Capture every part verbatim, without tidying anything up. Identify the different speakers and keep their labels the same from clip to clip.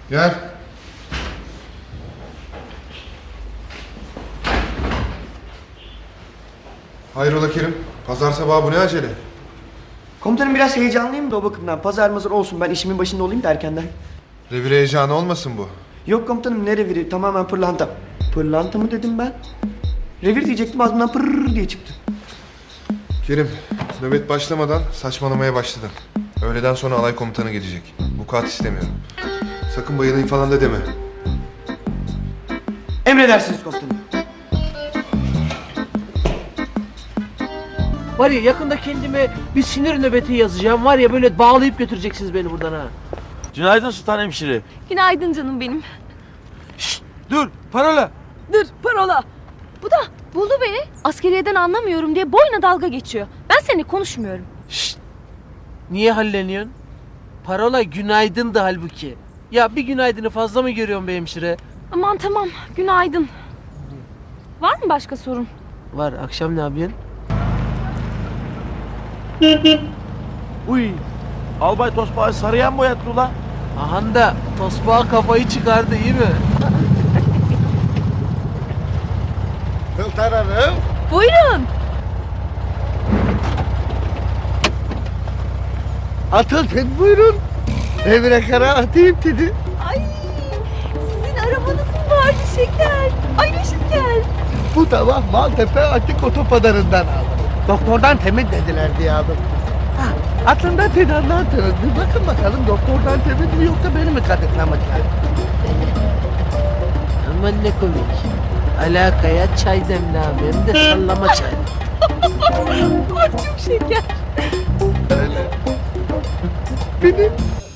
Speaker 1: Gel. Hayrola Kerim? Pazar sabahı bu ne acele?
Speaker 2: Komutanım biraz heyecanlıyım da o bakımdan. Pazar mazar olsun, ben işimin başında olayım da erkenden.
Speaker 1: Revir heyecanı olmasın bu?
Speaker 2: Yok komutanım, ne reviri? Tamamen pırlanta. Pırlanta mı dedim ben? Revir diyecektim, ağzımdan pırrrr diye çıktı.
Speaker 1: Kerim, nöbet başlamadan saçmalamaya başladın. Öğleden sonra alay komutanı gelecek. Vukuat istemiyorum. Sakın bayılayım falan da deme.
Speaker 2: Emredersiniz komutanım.
Speaker 3: Var ya yakında kendime bir sinir nöbeti yazacağım. Var ya böyle bağlayıp götüreceksiniz beni buradan ha.
Speaker 4: Günaydın Sultan Hemşire.
Speaker 5: Günaydın canım benim.
Speaker 4: Şşt, dur parola.
Speaker 5: Dur parola. Bu da buldu beni. Askeriyeden anlamıyorum diye boyuna dalga geçiyor. Ben seninle konuşmuyorum.
Speaker 3: Şşt. Niye halleniyorsun? Parola günaydın da halbuki. Ya bir günaydını fazla mı görüyorsun be hemşire?
Speaker 5: Aman tamam, günaydın. Var mı başka sorun?
Speaker 3: Var, akşam ne yapıyorsun?
Speaker 4: Uy. Albay Tosbağ'ı sarıya mı boyattı ula?
Speaker 3: Ahan da tosbağa kafayı çıkardı, iyi mi?
Speaker 6: Sultan Hanım.
Speaker 5: Buyurun.
Speaker 6: Atın buyurun. Evine kara atayım dedi.
Speaker 5: Ay, sizin arabanız mı vardı şeker? Ay ne şeker.
Speaker 6: Bu sabah Maltepe Açık Otopadarı'ndan aldım. Doktordan temin dediler diye aldım. Ha, aslında tedarlığa döndü. Bakın bakalım doktordan temin mi yoksa beni mi katıklamışlar?
Speaker 3: Aman ne komik. Alakaya çay demle abi, hem de sallama çay.
Speaker 5: Ay çok şeker.
Speaker 6: Öyle. Benim.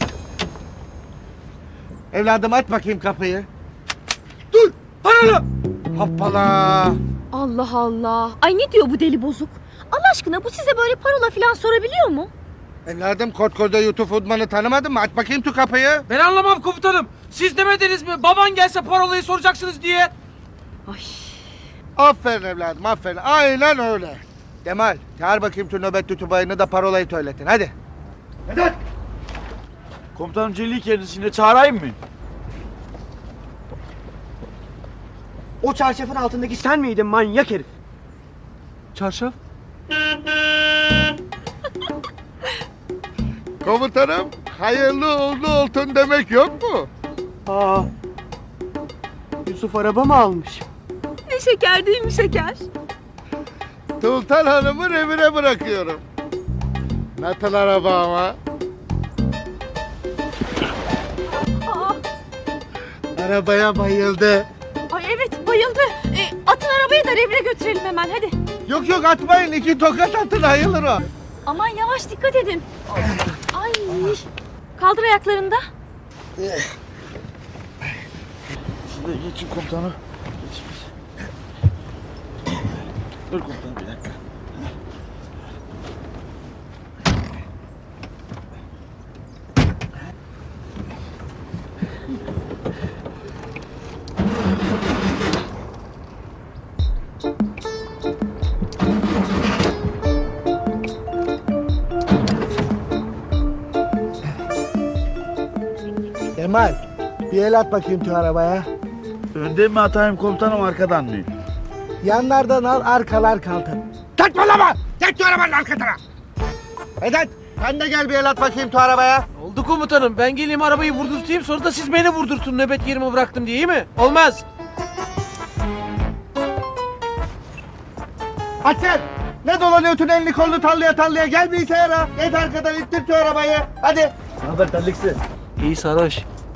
Speaker 6: Evladım aç bakayım kapıyı. Dur! Paralı! Hoppala!
Speaker 5: Allah Allah. Ay ne diyor bu deli bozuk? Allah aşkına bu size böyle parola falan sorabiliyor mu?
Speaker 6: Evladım Kotko'da YouTube uzmanı tanımadın mı? Aç bakayım şu kapıyı.
Speaker 3: Ben anlamam komutanım. Siz demediniz mi? Baban gelse parolayı soracaksınız diye.
Speaker 5: Ay.
Speaker 6: Aferin evladım aferin. Aynen öyle. Kemal çağır bakayım şu nöbet tutubayını da parolayı söyletin hadi. Vedat!
Speaker 4: Komutanım Celil kendisine çağırayım mı?
Speaker 2: O çarşafın altındaki sen miydin manyak herif?
Speaker 4: Çarşaf?
Speaker 6: Komutanım hayırlı uğurlu olsun demek yok mu?
Speaker 2: Aa, Yusuf araba mı almış?
Speaker 5: Ne şeker değil mi şeker?
Speaker 6: Sultan Hanım'ı evine bırakıyorum. Nasıl araba ama?
Speaker 5: Aa,
Speaker 6: Arabaya bayıldı.
Speaker 5: ay evet bayıldı. E, atın arabayı da revire götürelim hemen hadi.
Speaker 6: Yok yok atmayın iki tokat atın ayılır o.
Speaker 5: Aman yavaş dikkat edin. Ay. Kaldır ayaklarını da.
Speaker 4: Şurada geçin komutanım. Geçin. Dur komutanım bir dakika.
Speaker 6: Kemal bir el at bakayım şu arabaya.
Speaker 4: Önden mi atayım komutanım arkadan mı?
Speaker 6: Yanlardan al arkalar kaldır. Saçmalama! Geç şu arabanın arkasına! Vedat sen de gel bir el at bakayım şu arabaya.
Speaker 3: Oldu komutanım. Ben geleyim arabayı vurdurtayım, sonra da siz beni vurdurtun nöbet yerime bıraktım diye, iyi mi? Olmaz.
Speaker 6: Aç sen! Ne dolanıyorsun elini kolunu tallaya tallaya gel bilgisayara. Geç arkadan ittir şu arabayı. Hadi.
Speaker 4: Ne haber terliksi?
Speaker 3: İyi sarhoş.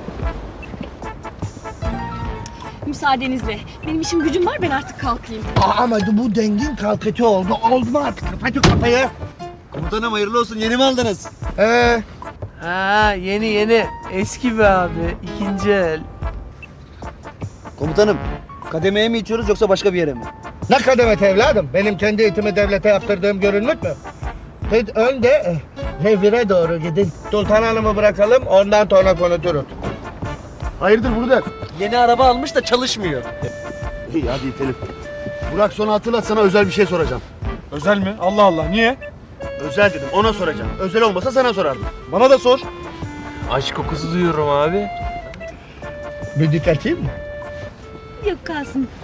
Speaker 5: Müsaadenizle. Benim işim gücüm var, ben artık kalkayım.
Speaker 6: Aa, ama bu dengin kalkıcı oldu. Oldu mu artık? Kapat şu kapıyı.
Speaker 4: Komutanım hayırlı olsun, yeni mi aldınız?
Speaker 6: Ee,
Speaker 3: Ha yeni yeni. Eski be abi. İkinci el.
Speaker 7: Komutanım, kademeye mi içiyoruz yoksa başka bir yere mi?
Speaker 6: ne kademet evladım? Benim kendi eğitimi devlete yaptırdığım görünmüş mü? Siz önde eh, revire doğru gidin. Sultan Hanım'ı bırakalım ondan sonra konuşuruz.
Speaker 7: Hayırdır Burak? Yeni araba almış da çalışmıyor.
Speaker 4: İyi hadi itelim.
Speaker 7: Burak sonra hatırlat, sana özel bir şey soracağım.
Speaker 4: Özel mi? Allah Allah, niye?
Speaker 7: Özel dedim, ona soracağım. Özel olmasa sana sorardım. Bana da sor.
Speaker 3: Aşk kokusu duyuyorum abi.
Speaker 6: Müzik açayım mı?
Speaker 5: Yok kalsın.